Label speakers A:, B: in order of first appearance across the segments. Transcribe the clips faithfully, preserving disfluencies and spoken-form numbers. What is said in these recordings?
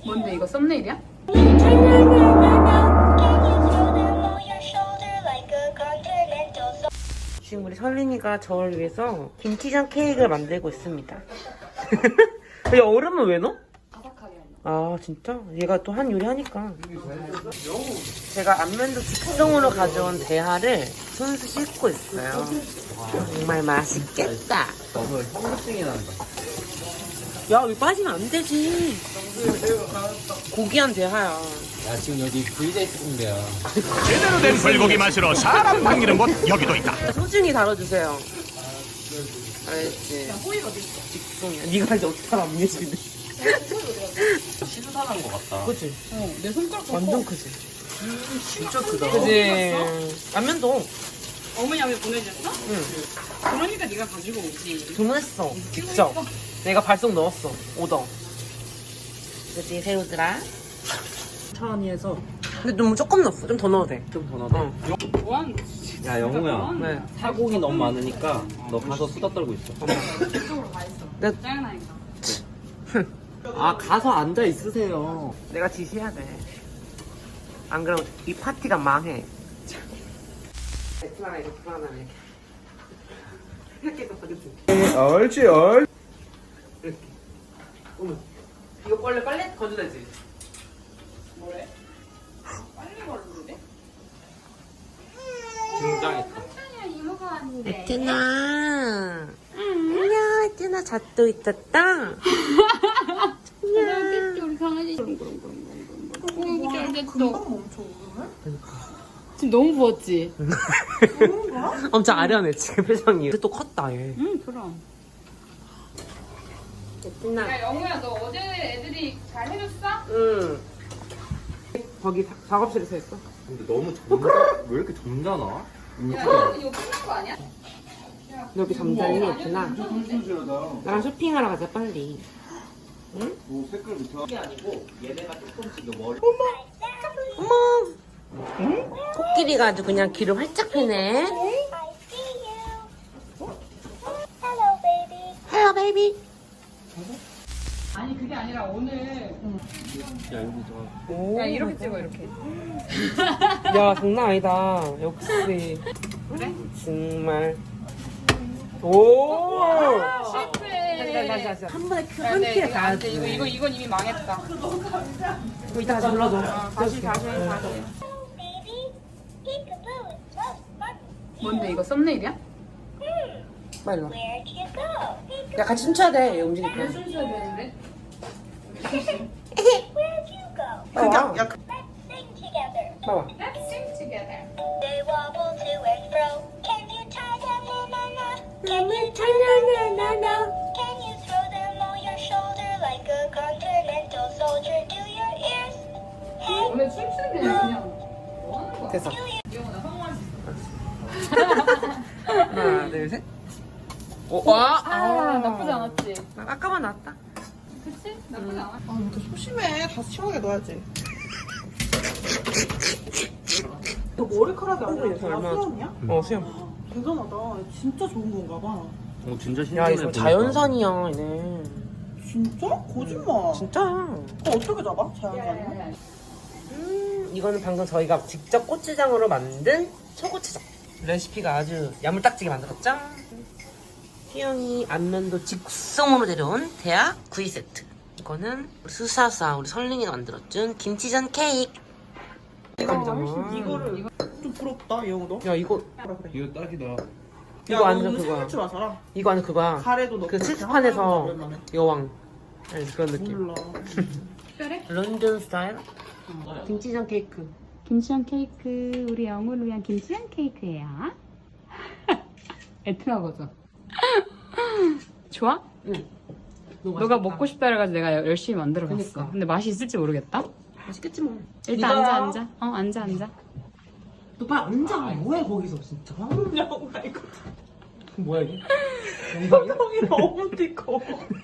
A: 뭔데 이거 썸네일이야?
B: 지금 우리 설린이가 저를 위해서 김치전 케이크를 만들고 있습니다. 야, 얼음은 왜 넣어?
A: 바삭하게 한다.
B: 아 진짜? 얘가 또 한 요리 하니까. 제가 안면도 직송으로 가져온 대하를 손수 씻고 있어요. 정말 맛있겠다.
C: 너무 형식이 난다.
B: 야, 여기 빠지면 안 되지. 고귀한 대하야.
C: 야, 지금 여기 브이데이트 공대야.
D: 제대로 된 불고기 맛으로 사람 반기는 곳 여기도 있다.
B: 소중히 다뤄주세요. 알겠지.
A: 호일 어디 있어?
B: 직송이야. 네가 이제 어떻게 알았니 지금?
C: 신선한 거 같다.
B: 그치?
A: 어, 내 손가락
B: 완전 크지?
C: 진짜 크다.
B: 그치? 안면도.
A: 어머니 아버지 보내주셨어?
B: 응.
A: 그러니까 네가 가지고 오지.
B: 주문했어. 직접. 내가 발송 넣었어. 오더. 그치, 새우들아?
C: 천천히 해서
B: 근데 너무 조금 넣었어. 좀 더 넣어도 돼.
C: 좀 더 넣어.
B: 어.
A: 뭐하는 거지?
C: 야, 영우야.
A: 뭐하는
B: 네.
C: 사고기 너무 많으니까 너 가서 수다 떨고 있어.
A: 이쪽으로 가 있어.
B: 네.
A: 짜증나니까.
C: 아, 가서 앉아 있으세요.
B: 내가 지시해야 돼. 안 그러면 이 파티가 망해. 불안해, 이거 불안하네. 이렇게 해서 그치?
E: 옳지, 옳지.
B: 이렇게. 어머. 이거 원래 빨래 건져내지?
A: 뭐래? 빨리 걸르는데?
C: 등장했다.
B: 에트나. 안녕, 에트나 잣도 있었다. 안녕.
A: 우리 강아지. 어이구 잘 됐어. 지금 너무 부었지?
B: 엄청 아련해, 지금 표정이. 근데 또 컸다, 얘.
A: 응 그럼.
B: 에트나.
A: 야 영우야 너 어제 애들이 잘 해줬어?
B: 응. 거기 사- 작업실에서 했어?
C: 근데 너무 점잖아. 왜 이렇게 점잖아?
A: 야
C: 인식이.
A: 이거 이거 끝난 거 아니야?
B: 여기 잠자리 에트나.
E: 신기하다.
B: 나랑 쇼핑하러 가자, 빨리.
E: 오, 색깔부터.
C: 이게 아니고 얘네가 조금씩 요 머리.
B: 어머. 코끼리가 아주 그냥 귀를 활짝 펴네. 헬로 베이비.
A: 아니 그게 아니라 오늘
C: 야, 여기 저.
B: 오.
A: 야 이렇게 찍어 이렇게.
B: 야, 장난 아니다. 역시.
A: 그래?
B: 정말. 오.
A: 실패.
B: 다시, 다시, 다시. 한 번에 큰
A: 야,
B: 한
A: 네,
B: 키에
A: 이거 안
B: 가야지.
A: 돼. 이거 이거 이건 이미 망했다.
B: 이거 이따 다시 불러줘.
A: 아, 다시 다시 해, 다시. 해. 뭔데 이거 썸네일이야?
B: 빨리 와. 야, 같이 춤춰야 돼. 얘 움직일 때.
A: 춤춰야 되는데.
B: 빨리 와. 야, 빨리 와.
A: Let's sing together.
F: They wobble to and fro. Can you tie them? No, no, no. Can you tie them? No, no, no. Can you throw them on your shoulder like a continental soldier? Do your ears hang?
A: 오늘 춤추는 게 아니라 그냥 뭐 하는 거야?
B: 됐어.
A: 이거 나 성공할 수 있어.
B: 하나, 둘, 셋. 오, 와.
A: 아, 나쁘지 않았지.
B: 아까만 나왔다.
A: 그치? 나쁘지 않았어.
G: 아, 이렇게 소심해. 다시 시원하게 넣어야지. 너 머리카락이 아니라
B: 이거
G: 다
B: 얼마나
G: 수염이야?
B: 어, 수염.
G: 대단하다. 진짜 좋은 건가 봐.
C: 어, 진짜 신선해.
B: 야, 이거
C: 보니까.
B: 자연산이야, 얘네.
G: 진짜? 거짓말.
B: 진짜.
G: 그거 어떻게 잡아? 자연산이야?
A: 야야야.
B: 음, 이거는 방금 저희가 직접 고추장으로 만든 초고추장. 레시피가 아주 야물딱지게 만들었죠? 희영이 안면도 직송으로 데려온 대하 구이 세트. 이거는 수사사 우리 설린이가 만들어준 김치전 케이크.
G: 내가 훨씬 이거를 좀 부럽다, 이 형도.
B: 야, 이거
G: 그래, 그래.
E: 이거 딱이다.
B: 이거
G: 야,
B: 완전
G: 오늘
B: 그거야.
G: 생일줄 아잖아.
B: 이거 안에 그거야.
G: 카레도 넣고.
B: 그
G: 이렇게
B: 칠판에서
G: 하는 거 오랜만에.
B: 여왕. 아니, 그런 느낌.
G: 몰라.
A: 특별해?
B: 런던 스타일 김치전 케이크.
A: 김치전 케이크 우리 영우를 위한 김치전 케이크예요. 에트나 버전. 좋아?
B: 응. 너무
A: 너가
B: 맛있겠다.
A: 먹고 싶다 그래가지고 내가 열심히 만들어봤어.
B: 그니까.
A: 근데 맛이 있을지 모르겠다.
B: 맛있겠지 뭐.
A: 일단
B: 이거야.
A: 앉아 앉아. 어 앉아 앉아.
B: 너 빨리 앉아. 뭐해 거기서 진짜.
G: 영우야, 이거.
B: 뭐야 이게?
G: 형이 너무 띠꺼.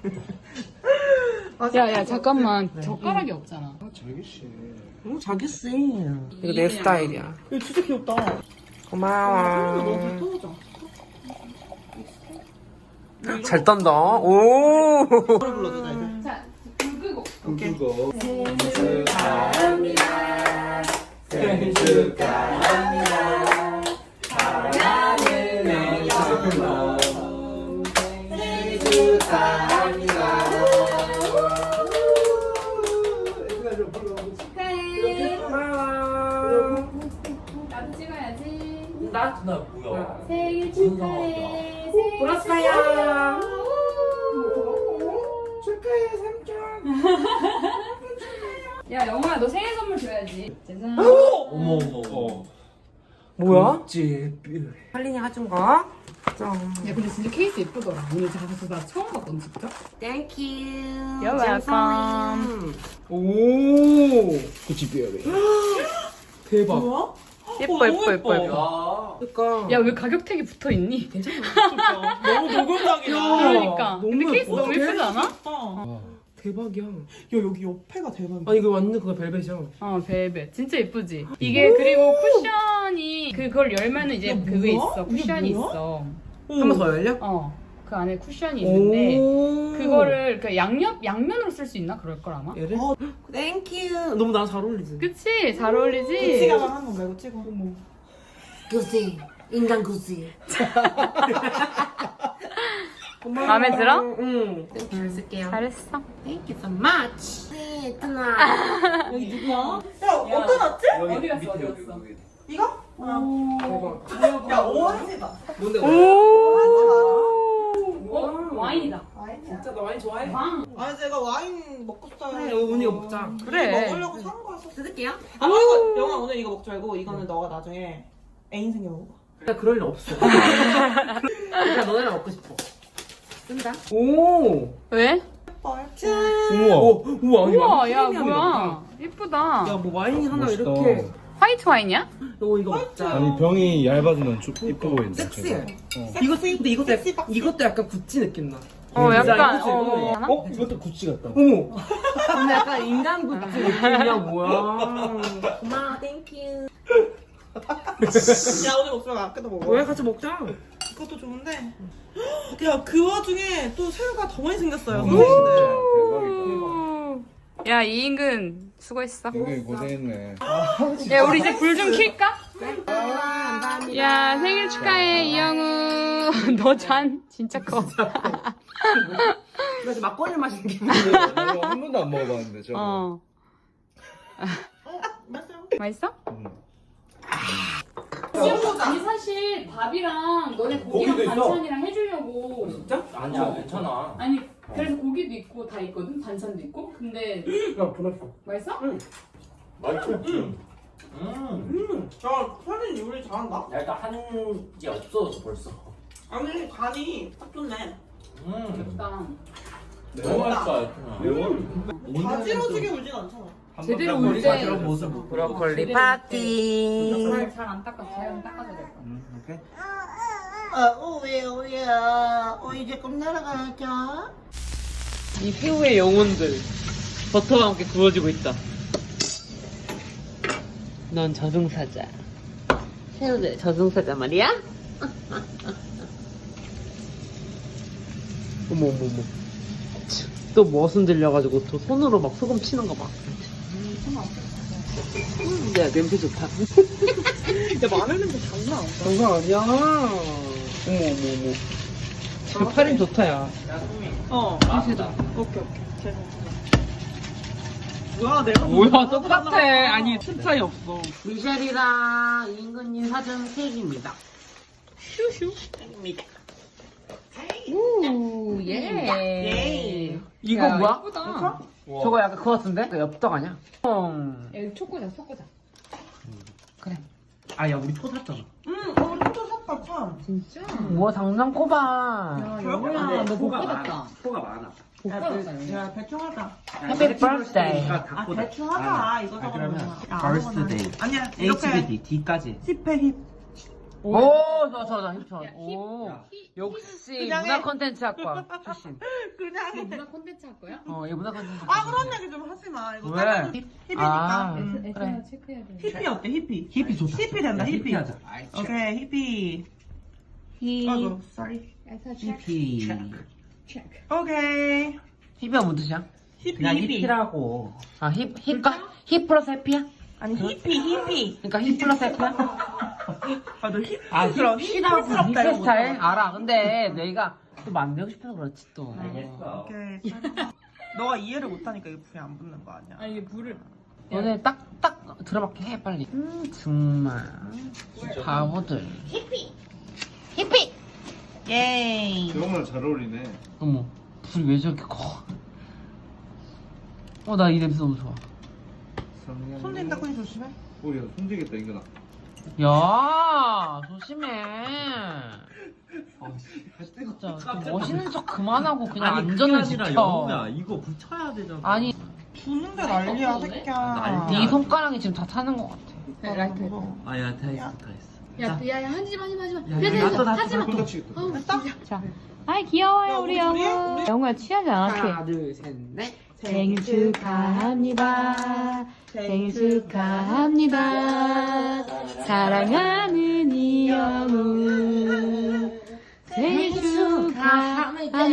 A: 야야 잠깐만 젓가락이 없잖아.
E: 자기씨.
B: 어, 자기 쌤. 이거 내 스타일이야.
G: 이거 진짜 귀엽다. 아,
B: 고마워.
G: 너무 떠오자.
B: 잘 떤다. 오.
G: 노래 불러주자, 이제.
A: 자 불 끄고.
E: 오케이.
A: 나도 찍어야지.
B: 나? 나 뭐야?
A: 생일 축하해.
B: 보라스파야.
A: 야 영호야 너 생일 선물 줘야지. 짜잔.
C: 어머 어머.
B: 뭐야? 할린이 해준 거? 짠.
A: 야 근데 진짜 케이스 예쁘더라. 오늘 제가 가서 나 처음 봤거든 진짜.
B: Thank you.
A: You're welcome.
B: 오.
E: 구찌뼈리.
B: 대박.
G: 뭐야?
A: 예뻐 예뻐 예뻐 예뻐.
C: 야.
B: 그러니까.
A: 야 왜 가격택이 붙어 있니?
B: 괜찮아.
G: 진짜 너무 노골적이다.
A: 그러니까.
B: 너무
A: 근데 케이스
B: 예뻐.
A: 너무 예쁘지 않아?
G: 야
B: 대박이야.
G: 여기 옆에가 대박이야.
B: 아 이거 완전 그거 벨벳이야.
A: 어 벨벳 진짜 예쁘지. 이게 그리고 쿠션이 그걸 열면은 이제
G: 이게
A: 그게
G: 뭐야?
A: 있어.
G: 이게
A: 쿠션이
G: 뭐야?
A: 있어.
B: 한 번 더 열려?
A: 어 그 안에 쿠션이 있는데
B: 오.
A: 그거를 그 양옆 양면으로 쓸 수 있나 그럴 걸 아마.
B: 얘를?
G: 어.
B: Thank you. 너무 나랑 잘 어울리지?
A: 그치 잘 어울리지.
G: 구찌가만 한 거 말고 찍어. 어머.
B: 구지. 인간 구지.
A: 마음에 들어?
B: 응. Thank you. 쓸게요.
A: 잘했어.
B: Thank you so much. 네, 누나.
G: 여기 누구야? 야 어떤 왔지?
A: 어디 갔어 어디 갔어?
G: 이거?
B: 대박.
G: 야 오한지다.
B: 뭔데?
A: 어 와인이다.
B: 진짜 나 와인 좋아해?
A: 왕.
G: 아니 제가 와인 먹고 싶다.
B: 그래, 여기 언니가 먹자.
A: 그래.
G: 먹으려고 산 거였어.
B: 뜯을게요.
G: 아 이거 영아 오늘 이거 먹지 말고 이거는 너가 나중에 애인 생겨 먹어.
B: 나 그럴 일 없어. 그냥 너네랑 먹고 싶어. 쓴다. 오.
A: 왜?
E: 우와.
B: 오, 우와. 아니,
A: 우와
B: 완전
A: 야
B: 프리미엄이다.
A: 뭐야 예쁘다.
B: 야, 뭐 와인이 하나
E: 멋있다.
B: 이렇게.
A: 화이트 와인이야?
B: 너 이거 먹자.
E: 아니 병이 얇아지면 좀 이뻐 보인다.
B: 섹시해.
E: 제가. 어.
B: 이거 근데 이것도
G: 섹시
B: 약간,
G: 박스.
B: 이것도 약간 구찌 느낌 나.
A: 어 약간
B: 이거지,
A: 어,
B: 이거네.
A: 하나?
E: 어? 이것도 구찌 같다.
B: 어머. 근데 약간 인간 구찌 느낌이야 뭐야. 고마워, 땡큐.
G: 야 오늘 먹지 말고 아껴도 먹어.
B: 왜 같이 먹자.
G: 그것도 좋은데. 야 그 와중에 또 새우가 더 많이 생겼어요.
E: 어,
G: 선생님들.
E: 대박이다.
A: 야 이인근 수고했어.
E: 굉장히 고생했네.
A: 야 우리 이제 불 좀 킬까?
B: 감사합니다.
A: 야 생일 축하해 이영우. 너 잔 진짜 커.
B: 나 지금 막걸리 마시는 기분이야.
E: 이거 한 번도 안 먹어봤는데 저거.
A: 어.
G: 맛있어요.
A: 맛있어?
E: 음.
A: 아니 사실 밥이랑 너네 고기랑
C: 고기도 있어?
A: 반찬이랑 해주려고.
B: 진짜?
C: 아니야 괜찮아.
A: 아니 그래서 고기도 있고 다 있거든 반찬도 있고. 근데
B: 야 보냈어.
A: 맛있어?
C: 맛있어. 음. 음.
G: 음. 야 선생님 요리 잘한다.
C: 야 일단 한게 없어졌어 벌써.
G: 아니 간이 딱 좋네.
C: 음.
A: 일단
C: 너무 맛있다.
G: 가지러지게 울진 않잖아.
A: 제대로 울 때.
C: 모습.
B: 브로콜리 파티.
A: 잘안 닦아서 잘 닦아서 될 거야.
B: 오케이.
G: 아 오예 오야. 어 이제 끝나러가자.
B: 이 새우의 영혼들 버터와 함께 구워지고 있다. 넌 저승사자. 새우들 저승사자 말이야? 어머 어머 어머. 또 멋은 들려가지고 또 손으로 막 소금 치는 거 봐. 음, 야 냄새 좋다.
G: 야 마늘 냄새 장난 아니다.
B: 장난 아니야. 어머 어머 어머. 그 팔임 좋다 야.
G: 어.
B: 맛이다.
G: 오케이 오케이. 죄송합니다. 뭐야 내가
B: 뭐야 똑같아. 아니 큰 차이 없어. 미셸이랑 이인근님 사준 케이크입니다. 슈슈. 입니다.
A: 오 예.
G: 예.
B: 이거
A: 야,
B: 뭐야?
A: 예쁘다.
B: 저거 약간 그거 같은데? 그 엽떡 아니야? 음.
A: 야 초코자 초코자.
B: 그래. 아, 야, 우리 초 샀잖아.
G: 응. 어 우리 포도 샀다 참.
A: 진짜?
B: 우와, 당장 꼽아.
A: 야 영호야 너 복 받았다.
C: 포가 많아.
A: 복 받았다.
G: 야 대충 하자.
B: Happy birthday.
G: 아 대충 하자. 이거
C: 아, 그러면
G: 야,
C: birthday.
G: 아니야 이렇게
C: D까지.
G: 힙해 힙.
B: 오, 좋아, 좋아, 좋아, 힙, 오, 역시
G: 그냥
B: 문화
G: 해.
B: 콘텐츠학과 출신.
G: 그냥 해.
A: 문화 콘텐츠 할 거야?
B: 어, 얘 문화 콘텐츠.
G: 아 그런 얘기 좀 하지 마. 이거
B: 왜?
G: 딱 힙, 힙이니까.
B: 아,
G: 응.
A: 에스라
B: 그래.
A: 체크해야 돼.
G: 힙이 어때 힙이?
C: 힙이 좋다.
G: 힙이 된다 힙이.
C: 하자.
G: 오케이 힙이. 아이고 sorry.
A: 에스라 체크.
C: 힙이.
A: 체크.
G: 오케이.
B: 힙이가 뭔 뜻이야?
G: 히피
B: 그냥
G: 히피.
B: 히피라고. 아, 힙, 힙가? 힙 플러스 해피야?
G: 아니 히피 히피.
B: 그러니까 힙 플러스 해피야?
G: 아너 히피
B: 아,
G: 그럼
B: 힙이라고
G: 힙스럽다,
B: 힙
G: 이거
B: 스타일?
G: 못하고.
B: 알아. 근데 내가 또 만들고 싶어서 그렇지 또.
C: 알겠어.
G: 오케이. 너가 이해를 못하니까 이게 불이 안 붙는 거 아니야?
A: 아 이게 불을
B: 너네 딱, 딱 들어맞게 해, 빨리. 음, 정말. 바보들.
G: 예이.
E: 정말 잘 어울리네.
B: 어머, 불이 왜 저렇게 커? 어, 나 이 냄새 너무 좋아.
G: 손 댄다 끈이 조심해.
E: 오야 손대겠다 이거나.
B: 야, 조심해. 진짜 좀 멋있는 척 그만하고 그냥 안전을 지켜.
C: 이거 붙여야 되잖아.
B: 아니,
G: 주는 게 난리야 새끼야.
C: 난리야.
B: 네 손가락이 지금 다 타는 것 같아.
A: 네, 라이트.
C: 아야 다 했어 다 했어.
A: 야, 야, 야, 하지 마, 하지 마, 하지 마.
C: 야,
A: 그래,
C: 야, 놔둬,
A: 그래, 하지 마.
E: 손 다치겠다.
A: 어우,
G: 됐다?
A: 자, 아이 귀여워요
G: 야,
A: 우리
G: 우리
A: 영우.
G: 둘이? 우리-
A: 영우야 취하지 않았지?
B: 하나, 둘, 셋, 넷.
A: 생일 축하합니다. 생일 축하합니다. 사랑하는 이영우. 생일 축하합니다.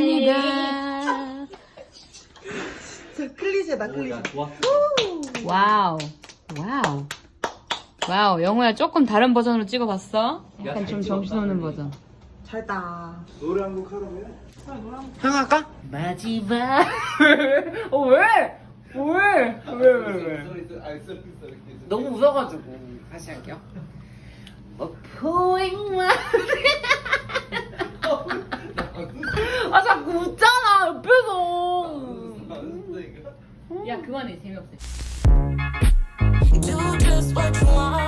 G: 저 클리셰다 클리셰.
C: 좋았어.
A: 와우. 와우. 와우. 영우야 조금 다른 버전으로 찍어봤어? 약간 좀 정신없는 버전.
G: 잘다.
E: 노래 한 곡 하라고요?
B: 형 할까? 마지막. 어, 왜? 왜? 왜, 왜, 왜? 너무 웃어가지고. 다시 할게요. 어, 포획만. 아, 자꾸 웃잖아, 옆에서.
A: 야 그만해 재미없어.
F: Do just what you want.